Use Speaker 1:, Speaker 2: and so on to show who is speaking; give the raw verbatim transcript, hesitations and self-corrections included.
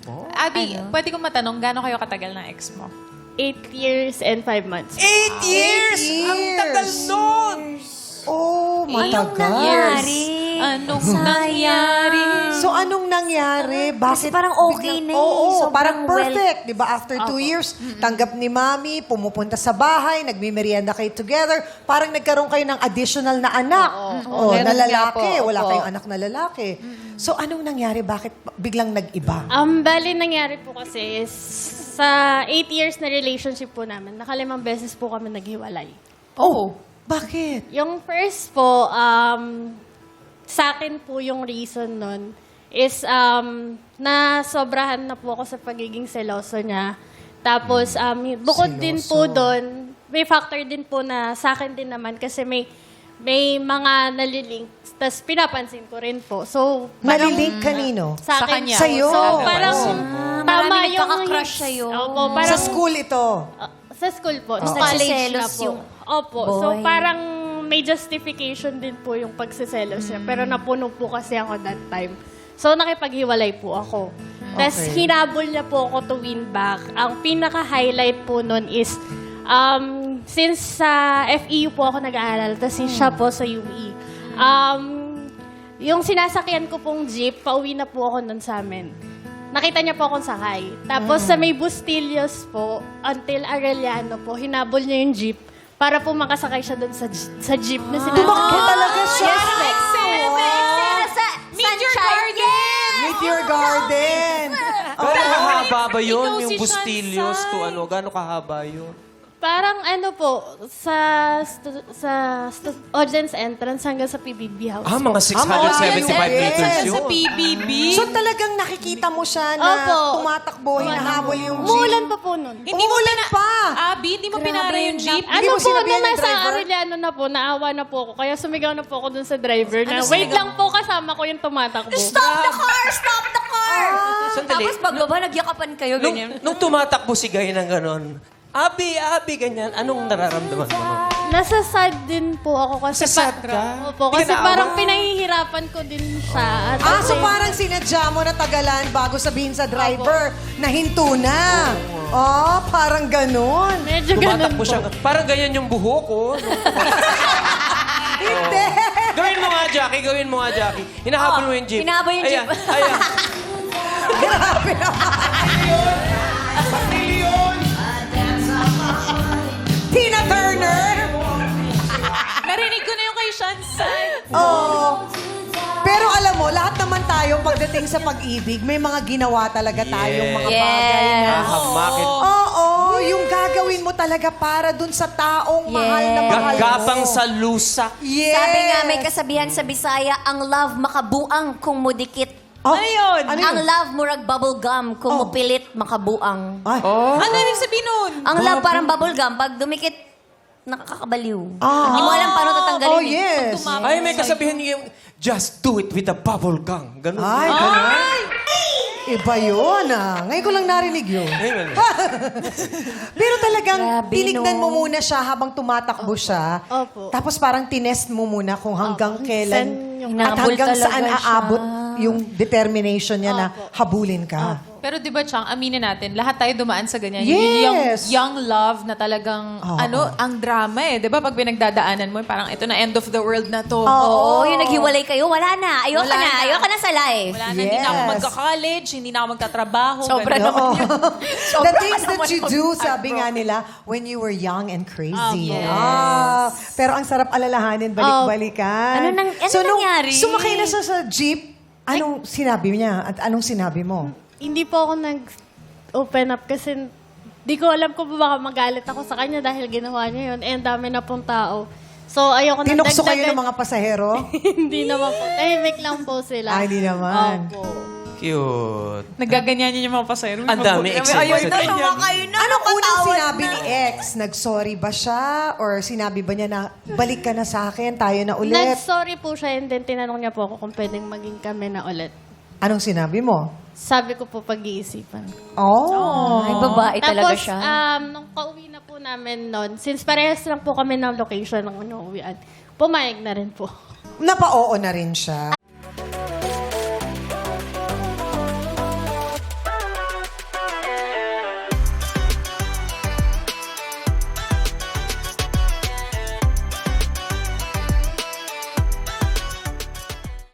Speaker 1: Abby, pwede kong matanong, gaano kayo katagal ng ex mo?
Speaker 2: Eight years and five months.
Speaker 3: Eight years! Ang tagal nun!
Speaker 4: Oh,
Speaker 5: Anong
Speaker 4: matagal.
Speaker 5: nangyari?
Speaker 1: Anong
Speaker 5: Sayang.
Speaker 1: nangyari?
Speaker 4: So, anong nangyari? Bakit?
Speaker 5: Kasi parang okay
Speaker 4: biglang-
Speaker 5: na eh.
Speaker 4: Oo,
Speaker 5: Sobrang
Speaker 4: parang
Speaker 5: well-
Speaker 4: perfect. Di ba? After two years, tanggap ni Mami, pumupunta sa bahay, nagmimerienda kayo together. Parang nagkaroon kayo ng additional na anak. Oo,
Speaker 6: Meron
Speaker 4: na
Speaker 6: nga
Speaker 4: lalaki.
Speaker 6: po,
Speaker 4: Wala
Speaker 6: opo.
Speaker 4: kayong anak na lalaki. So, anong nangyari? Bakit biglang nag-iba?
Speaker 2: Um, bali nangyari po kasi is sa eight years na relationship po namin, nakalimang beses po kami naghiwalay.
Speaker 4: Oh, bakit?
Speaker 2: Yung first po, um, sa akin po yung reason nun is um, na sobrahan na po ako sa pagiging seloso niya. Tapos, um, bukod din po
Speaker 4: Seloso.
Speaker 2: doon, may factor din po na sa akin din naman kasi may may mga nalilink, tapos pinapansin ko rin po. So, parang
Speaker 4: Nalilink kanino?
Speaker 2: sa,
Speaker 1: Sa
Speaker 2: akin
Speaker 1: kanya.
Speaker 4: Sa'yo.
Speaker 2: So, parang
Speaker 5: Ah,
Speaker 2: tama
Speaker 5: marami
Speaker 2: yung...
Speaker 5: nagkaka-crush sa'yo.
Speaker 2: Opo,
Speaker 4: Sa
Speaker 2: parang...
Speaker 4: school ito.
Speaker 2: Uh, sa school po.
Speaker 5: Tapos
Speaker 2: Sa college na
Speaker 5: nagsiselos
Speaker 2: po.
Speaker 5: yung
Speaker 2: Opo. So,
Speaker 5: boy.
Speaker 2: parang may justification din po yung pagsiselos niya. Pero napuno po kasi ako that time. So, nakipaghiwalay po ako. Tapos,
Speaker 4: Okay.
Speaker 2: hinabol niya po ako to win back. Ang pinaka-highlight po nun is, um, since sa F E U po ako nag-aaral, tapos siya po sa U E. Um, yung sinasakyan ko pong jeep, pauwi na po ako nun sa amin. Nakita niya po akong sakay. Tapos sa may Bustillos po, until Arellano po, hinabol niya yung jeep para po makasakay siya doon sa, j- sa jeep na sinasakyan.
Speaker 4: Tumakbo talaga siya.
Speaker 5: Sa
Speaker 1: Meteor
Speaker 5: Sunshine
Speaker 1: Garden!
Speaker 4: Meet your garden.
Speaker 3: Gano'ng kahaba ba yun?
Speaker 1: Ikaw
Speaker 3: Yung
Speaker 1: si
Speaker 3: Bustillos
Speaker 1: Shansai.
Speaker 3: to ano? Gano'ng kahaba yun?
Speaker 2: Parang ano po, sa stu- sa stu- audience entrance hanggang sa P B B house.
Speaker 3: Ah, mga six
Speaker 4: Ah,
Speaker 3: hundred seventy-five
Speaker 4: yes.
Speaker 3: meters
Speaker 1: Sa
Speaker 3: yun.
Speaker 1: P B B?
Speaker 4: So talagang nakikita mo siya na
Speaker 2: Opo.
Speaker 4: tumatakbo, hinahabol yung jeep.
Speaker 2: Umuulan pa po nun.
Speaker 1: Hindi mo
Speaker 4: Umuulan
Speaker 1: pina-
Speaker 4: pa.
Speaker 1: Abby, hindi mo pinara yung jeep?
Speaker 4: Hindi
Speaker 2: Ano
Speaker 4: mo
Speaker 2: po,
Speaker 4: sinabihan
Speaker 2: nung
Speaker 4: yung
Speaker 2: nasa
Speaker 4: driver?
Speaker 2: Arellano na po, naawa na po ako. Kaya sumigaw na po ako dun sa driver na,
Speaker 1: Ano
Speaker 2: wait
Speaker 1: sumigaw?
Speaker 2: lang po, kasama ko yung tumatakbo.
Speaker 5: Stop the car! Stop the car!
Speaker 3: Sandali.
Speaker 5: Tapos pagbaba, nagyakapan kayo,
Speaker 3: Nung,
Speaker 5: ganyan.
Speaker 3: nung tumatakbo si Gay ng gano'n, Abi, Abi, ganyan, anong nararamdaman mo?
Speaker 2: Nasa sad din po ako kasi
Speaker 3: Sa sad ka?
Speaker 2: Opo, kasi
Speaker 3: Pinaawa?
Speaker 2: parang pinahihirapan ko din siya. At
Speaker 4: Ah,
Speaker 2: the
Speaker 4: so
Speaker 2: same-
Speaker 4: parang sinadya mo na tagalan bago sabihin sa driver na hinto na. Oh, parang ganun.
Speaker 2: Medyo ganun
Speaker 3: Tumatakbo
Speaker 2: po.
Speaker 3: siya. Parang ganyan yung buhok, oh.
Speaker 4: Hindi.
Speaker 3: Gawin mo nga, Jackie. Gawin mo nga, Jackie. Hinahabol mo yung jeep.
Speaker 5: hinahabol yung
Speaker 3: Ayan,
Speaker 5: jeep.
Speaker 3: Ayan.
Speaker 4: Grabe naman. Tina Turner.
Speaker 1: Narinig ko na yung kay Shansai.
Speaker 4: Oo. Pero alam mo, lahat naman tayo pagdating sa pag-ibig, may mga ginawa talaga tayong mga
Speaker 5: Yes.
Speaker 4: bagay na.
Speaker 3: Hahamakit.
Speaker 4: Oo, yung gagawin mo talaga para dun sa taong mahal na
Speaker 5: Yes.
Speaker 4: mahal mo.
Speaker 3: Gagapang sa lusak.
Speaker 4: Yes.
Speaker 5: Sabi nga, may kasabihan sa Bisaya, ang love makabuang kung mudikit.
Speaker 4: Oh,
Speaker 1: Ano yun?
Speaker 4: Ano
Speaker 5: Ang
Speaker 4: yun?
Speaker 5: love murag bubble gum kung
Speaker 4: Oh.
Speaker 5: mupilit makabuang.
Speaker 4: Ay.
Speaker 1: Ano ibig sabihin nun?
Speaker 5: Ang love parang bubble gum, pag dumikit, nakakabaliw.
Speaker 4: Ah.
Speaker 5: Hindi mo alam paano tatanggalin.
Speaker 4: Oh,
Speaker 5: eh.
Speaker 4: yes.
Speaker 3: Ay, may kasabihan yung, just do it with a bubble gum. Ganun.
Speaker 4: Ay, ganun. Iba yun ah. Ngayon ko lang narinig yun.
Speaker 3: Ayun.
Speaker 4: Pero talagang
Speaker 5: Grabe,
Speaker 4: tinignan
Speaker 5: no?
Speaker 4: mo muna siya habang tumatakbo siya.
Speaker 2: Opo.
Speaker 4: Tapos parang tinest mo muna kung hanggang kailan
Speaker 2: Saan yung-
Speaker 4: at
Speaker 5: Hinabol
Speaker 4: hanggang
Speaker 5: talaga
Speaker 4: saan
Speaker 5: siya.
Speaker 4: aabot yung determination niya na habulin ka.
Speaker 1: Pero di ba, Chang, aminin natin, lahat tayo dumaan sa ganyan.
Speaker 4: Yes.
Speaker 1: Yung young, young love na talagang,
Speaker 4: Oo.
Speaker 1: ano, ang drama eh. Di ba, pag pinagdadaanan mo, parang ito na end of the world na to.
Speaker 5: Oo, yung naghiwalay kayo, wala na. Ayoko
Speaker 1: Wala
Speaker 5: na.
Speaker 1: na.
Speaker 5: Ayoko na sa life.
Speaker 1: Wala na, hindi na ako
Speaker 4: Yes.
Speaker 1: magka-college, hindi na ako magtatrabaho.
Speaker 5: Sobra
Speaker 1: ganun.
Speaker 5: naman yun.
Speaker 4: The things that you do, sabi nga nila, when you were young and crazy.
Speaker 1: Oh, yes.
Speaker 4: Ah, pero ang sarap alalahanin, balik-balikan.
Speaker 5: Ano nang- ano
Speaker 4: nung
Speaker 5: nangyari?
Speaker 4: sumakay na siya sa jeep, anong sinabi niya at anong sinabi mo?
Speaker 2: Hindi po ako nag-open up kasi di ko alam kung baka magalit ako sa kanya dahil ginawa niya yun. Eh, ang dami na pong tao. So, ayoko na
Speaker 4: Tinukso kayo
Speaker 2: dagdagan.
Speaker 4: ng mga pasahero?
Speaker 2: Hindi naman po. Tahimik lang po sila.
Speaker 4: Ah, hindi naman.
Speaker 2: Opo.
Speaker 3: Cute.
Speaker 1: Nagaganyan niya yung mga pasahero.
Speaker 3: Ang dami excited.
Speaker 4: Anong unang sinabi ni ex? Nag-sorry ba siya? Or sinabi ba niya na, balik ka na sa akin, tayo na ulit?
Speaker 2: Nag-sorry po siya and then tinanong niya po ako kung pwedeng maging kami na ulit.
Speaker 4: Anong sinabi mo?
Speaker 2: Sabi ko po pag-iisipan.
Speaker 4: Oh.
Speaker 5: Ay, babae talaga
Speaker 2: Tapos,
Speaker 5: siya.
Speaker 2: um, nung pauwi na po namin noon, since parehas lang po kami ng location ng inuwian, pumayag na rin po.
Speaker 4: Napa-oo na rin siya.